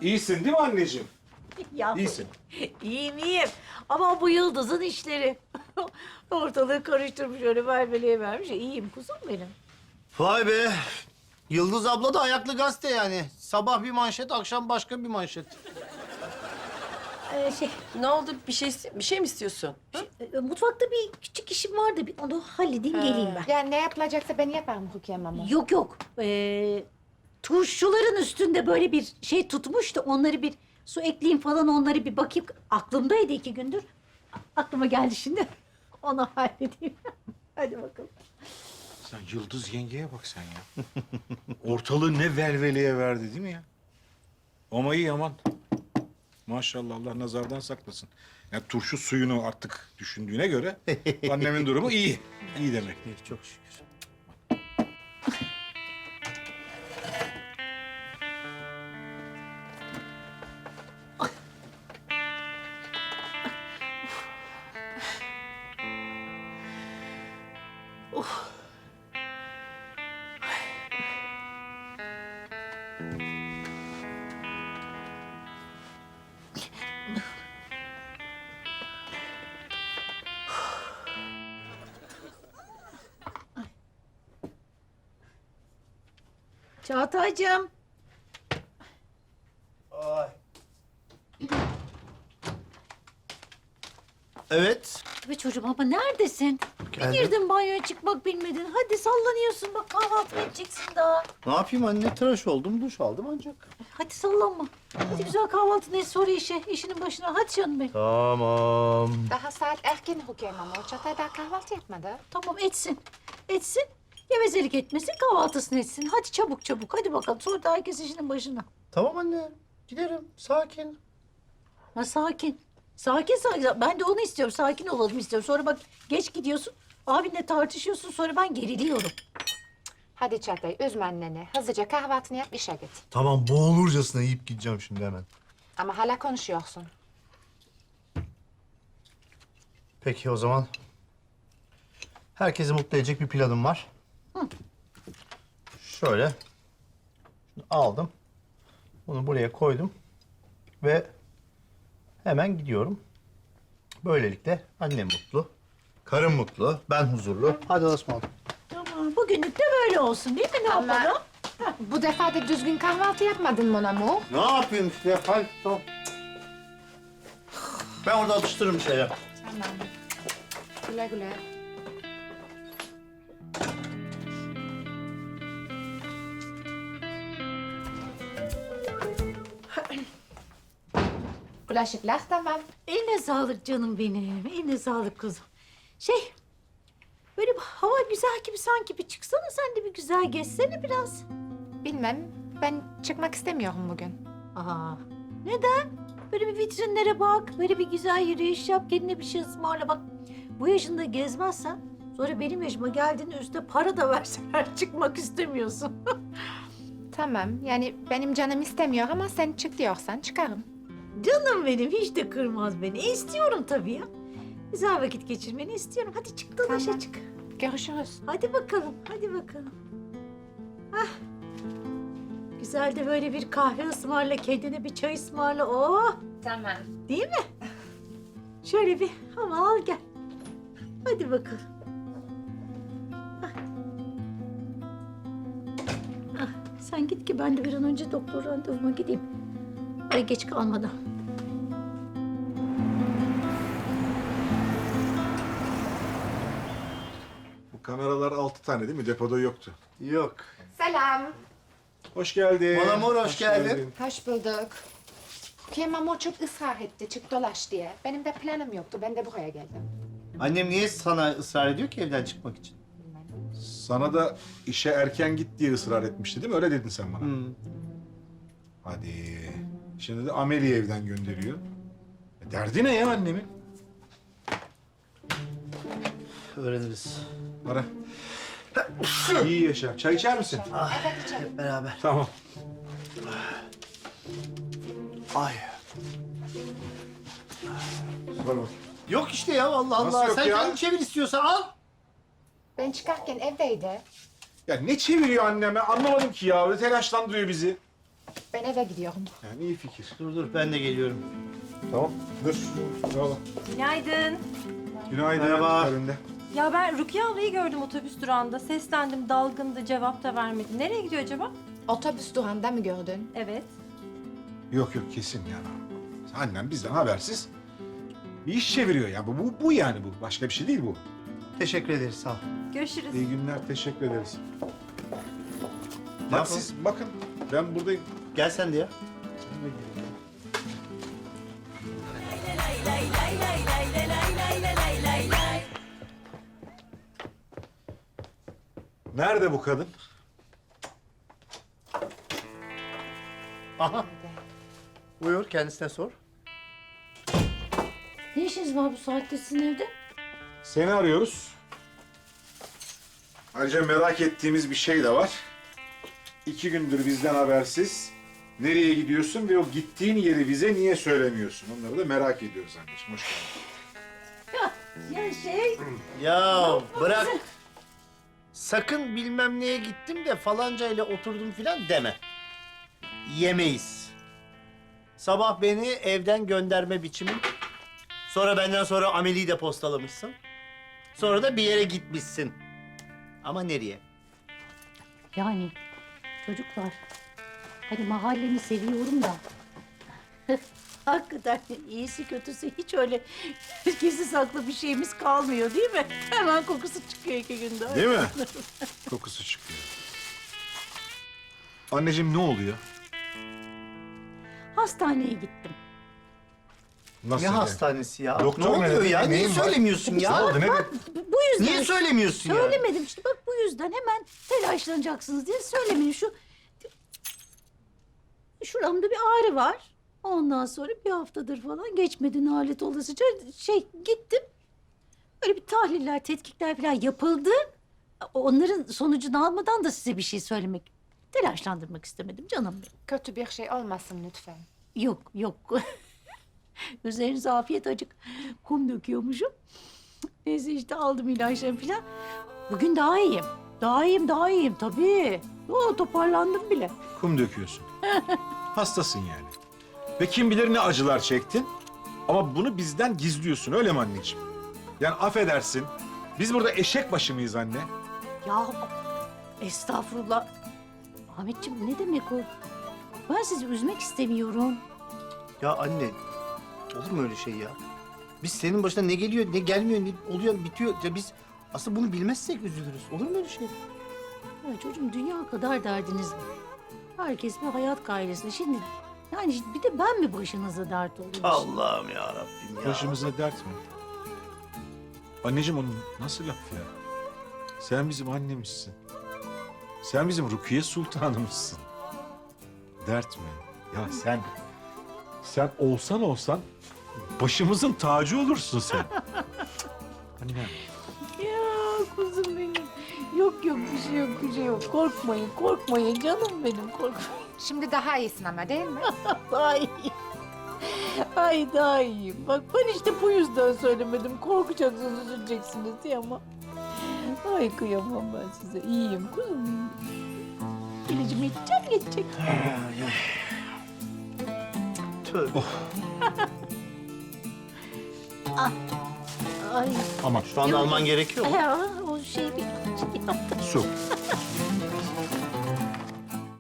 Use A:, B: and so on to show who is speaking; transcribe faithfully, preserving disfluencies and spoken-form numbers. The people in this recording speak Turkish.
A: İyisin değil mi anneciğim?
B: Ya,
A: İyisin.
B: iyiyim iyiyim. Ama bu Yıldız'ın işleri. Ortalığı karıştırmış, öyle velveleye vermiş. İyiyim kuzum benim.
C: Vay be. Yıldız abla da ayaklı gazete yani. Sabah bir manşet, akşam başka bir manşet.
B: Ee, şey,
D: Ne oldu? Bir şey bir şey mi istiyorsun?
B: e, mutfakta bir küçük işim vardı. Bir onu halledeyim, geleyim ben.
E: Ya ne yapılacaksa ben yaparım Rukiye Mamo.
B: Yok yok. Ee, turşuların üstünde böyle bir şey tutmuş da onları bir su ekleyeyim falan, onları bir bakayım. Aklımdaydı iki gündür. A- Aklıma geldi şimdi. Onu halledeyim. Hadi bakalım.
A: Sen Yıldız yengeye bak sen ya. Ortalığı ne velveleye verdi değil mi ya? Ama iyi aman. Maşallah, Allah nazardan saklasın. Yani turşu suyunu artık düşündüğüne göre annemin durumu iyi. İyi demek.
C: İyi, çok şükür.
B: Çağatay'cığım.
C: Ay. Evet.
B: Tabii çocuğum, ama neredesin? Bir
C: Geldim.
B: girdin banyoya, çıkmak bilmedin. Hadi sallanıyorsun, bak kahvaltı edeceksin daha.
C: Ne yapayım anne? Tıraş oldum, duş aldım ancak.
B: Hadi sallanma. Hadi güzel kahvaltı, ne sonra işe, işinin başına. Hadi canım benim.
C: Tamam.
E: Daha saat erken Rukiye Mamo. Çatay daha kahvaltı yapmadı.
B: Tamam, etsin. Etsin. Gevezelik etmesin, kahvaltısını etsin. Hadi çabuk çabuk, hadi bakalım. Sonra da herkes işinin başına.
C: Tamam anne. Giderim. Sakin.
B: Ha, sakin. Sakin sakin. Ben de onu istiyorum. Sakin olalım istiyorum. Sonra bak geç gidiyorsun. Abinle tartışıyorsun. Sonra ben geriliyorum.
E: Hadi Çatay, üzme anneni. Hızlıca kahvaltını yap, işe git.
C: Tamam, boğulurcasına yiyip gideceğim şimdi hemen.
E: Ama hala konuşuyorsun.
C: Peki o zaman. Herkesi mutlu edecek bir planım var.
B: Hı.
C: Şöyle. Şunu aldım. Bunu buraya koydum. Ve hemen gidiyorum. Böylelikle annem mutlu. Karım mutlu. Ben huzurlu. Hadi Osman.
B: Tamam, bugünlük de böyle olsun değil mi? Ne
E: Ama-
B: yapalım?
E: Bu defa da düzgün kahvaltı yapmadın mon amour.
C: Ne yapayım işte? Hadi tamam. Ben orada atıştırırım şeyler.
E: Tamam. Güle güle. Bulaşıklar tamam.
B: Eline sağlık canım benim. Eline sağlık kuzum. Şey, böyle bir hava güzel gibi sanki, bir çıksana sen de, bir güzel gezsene biraz.
E: Bilmem, ben çıkmak istemiyorum bugün.
B: Aa, neden? Böyle bir vitrinlere bak, böyle bir güzel yürüyüş yap, kendine bir şey ısmarla. Bak, bu yaşında gezmezsen sonra benim yaşıma geldiğinde üstüne para da verseler çıkmak istemiyorsun.
E: Tamam, yani benim canım istemiyor ama sen çık diyorsan çıkarım.
B: Canım benim, hiç de kırmaz beni. E, istiyorum tabii ya. Güzel vakit geçirmeni istiyorum. Hadi çık dolaşa
E: Tamam.
B: çık.
E: Görüşürüz.
B: Hadi bakalım, hadi bakalım. Hah. Güzel de böyle bir kahve ısmarla, kendine bir çay ısmarla. Oh,
E: Tamam.
B: değil mi? Şöyle bir hava al gel. Hadi bakalım. Hah. Ah, sen git ki ben de bir an önce doktor randevuma gideyim. Ay, geç kalmadan.
A: Bu kameralar altı tane değil mi? Depoda yoktu.
C: Yok.
E: Selam.
A: Hoş geldin.
C: Mon amour, hoş geldin.
E: Hoş bulduk. Rukiye Mamo çok ısrar etti, çık dolaş diye. Benim de planım yoktu, ben de buraya geldim.
C: Annem niye sana ısrar ediyor ki evden çıkmak için?
A: Sana da işe erken git diye ısrar etmişti değil mi? Öyle dedin sen bana.
C: Hmm.
A: Hadi. Şimdi de Amel'i evden gönderiyor. E, derdi ne ya annemin?
C: Öğreniriz.
A: Ara. İyi yaşa. Çay içer misin?
E: Evet içerim.
C: Hep beraber.
A: Tamam.
C: Ay.
A: Var bak.
C: Yok işte ya, Allah
A: Nasıl
C: Allah.
A: yok
C: Sen
A: ya?
C: kendin çevir istiyorsan al.
E: Ben çıkarken evdeydi.
A: Ya ne çeviriyor anneme? Anlamadım ki ya. Öyle telaşlandırıyor bizi.
E: Ben eve gidiyorum.
A: Yani iyi fikir.
C: Dur dur ben de geliyorum.
A: Tamam. Dur. Bravo.
F: Günaydın.
A: Günaydın.
C: Merhaba.
A: Ferinde.
F: Ya ben Rukiye ablayı gördüm otobüs durağında. Seslendim, dalgındı, cevap da vermedi. Nereye gidiyor acaba?
E: Otobüs durağında mı gördün?
F: Evet.
A: Yok yok kesin yani. Annem bizden habersiz bir iş çeviriyor ya. Bu, bu, bu yani bu. Başka bir şey değil bu.
C: Teşekkür ederiz sağ ol.
F: Görüşürüz.
A: İyi günler. Teşekkür ederiz.
C: Ne
A: Bak
C: yapalım?
A: siz bakın. Ben buradayım.
C: Gel sen de ya.
A: Nerede bu kadın?
C: Aha. Buyur kendisine sor.
B: Ne işiniz var bu saatte sizin evde?
A: Seni arıyoruz. Ayrıca merak ettiğimiz bir şey de var. İki gündür bizden habersiz. Nereye gidiyorsun ve o gittiğin yeri bize niye söylemiyorsun? Onları da merak ediyoruz anneciğim. Hoş geldin.
B: Ya şey...
C: Ya bırak. Sakın bilmem neye gittim de falanca ile oturdum filan deme. Yemeyiz. Sabah beni evden gönderme biçimin. Sonra benden sonra ameliyi de postalamışsın. Sonra da bir yere gitmişsin. Ama nereye?
B: Yani çocuklar, hani mahallemi seviyorum da... Hakikaten iyisi kötüsü hiç öyle gizli saklı bir şeyimiz kalmıyor değil mi? Hemen kokusu çıkıyor iki günde.
A: Değil mi? Kokusu çıkıyor. Anneciğim ne oluyor?
B: Hastaneye gittim.
A: Nasıl
C: Ne
A: yani?
C: hastanesi ya?
A: Doktor
C: ne oluyor
A: ne?
C: ya? Niye
A: Neyin var?
C: söylemiyorsun
A: Ne
C: ya?
A: oldu? Ne?
B: Bu bu yüzden...
C: Niye söylemiyorsun ya?
B: Söylemedim işte bak bu yüzden hemen telaşlanacaksınız diye söylemedim. Şu şuramda bir ağrı var. Ondan sonra bir haftadır falan geçmedi nalet olasıca şey gittim. Böyle bir tahliller, tetkikler falan yapıldı. Onların sonucunu almadan da size bir şey söylemek, telaşlandırmak istemedim canım benim.
E: Kötü bir şey olmasın lütfen.
B: Yok yok. Üzerinize afiyet acık kum döküyormuşum. Neyse işte aldım ilaçlarımı falan. Bugün daha iyiyim. Daha iyiyim, daha iyiyim tabii. Oo, toparlandım bile.
A: Kum döküyorsun. Hastasın yani. Ve kim bilir ne acılar çektin. Ama bunu bizden gizliyorsun öyle mi anneciğim? Yani affedersin. Biz burada eşek başı mıyız anne?
B: Ya estağfurullah. Ahmetciğim ne demek o? Ben sizi üzmek istemiyorum.
C: Ya anne, olur mu öyle şey ya? Biz senin başına ne geliyor, ne gelmiyor, ne oluyor, bitiyor. Ya biz aslında bunu bilmezsek üzülürüz. Olur mu öyle şey?
B: Ya çocuğum dünya kadar derdiniz var. Herkes bir hayat gailesi. Şimdi yani bir de ben mi başınıza dert oluyorum?
C: Allah'ım ya Rabbim ya.
A: Başımıza dert mi? Anneciğim onun nasıl laf ya? Sen bizim annemizsin. Sen bizim Rukiye Sultanımızsın. Dert mi? Ya sen... Sen olsan olsan başımızın tacı olursun sen. Annem.
B: Ya kuzum benim. Yok yok bir şey yok bir şey yok. Korkmayın korkmayın canım benim korkmayın.
E: Şimdi daha iyisin ama değil mi?
B: Daha iyi. Ay daha iyiyim. Bak ben işte bu yüzden söylemedim. Korkacaksınız, üzüleceksiniz diye ama... Ay kıyamam ben size. İyiyim kuzum. İlacımı içeceğim geçecek.
C: Tövbe.
B: Ay.
A: Aman
C: Şu anda alman gerekiyor mu?
B: Ya o şey bir şey yaptım.
A: su.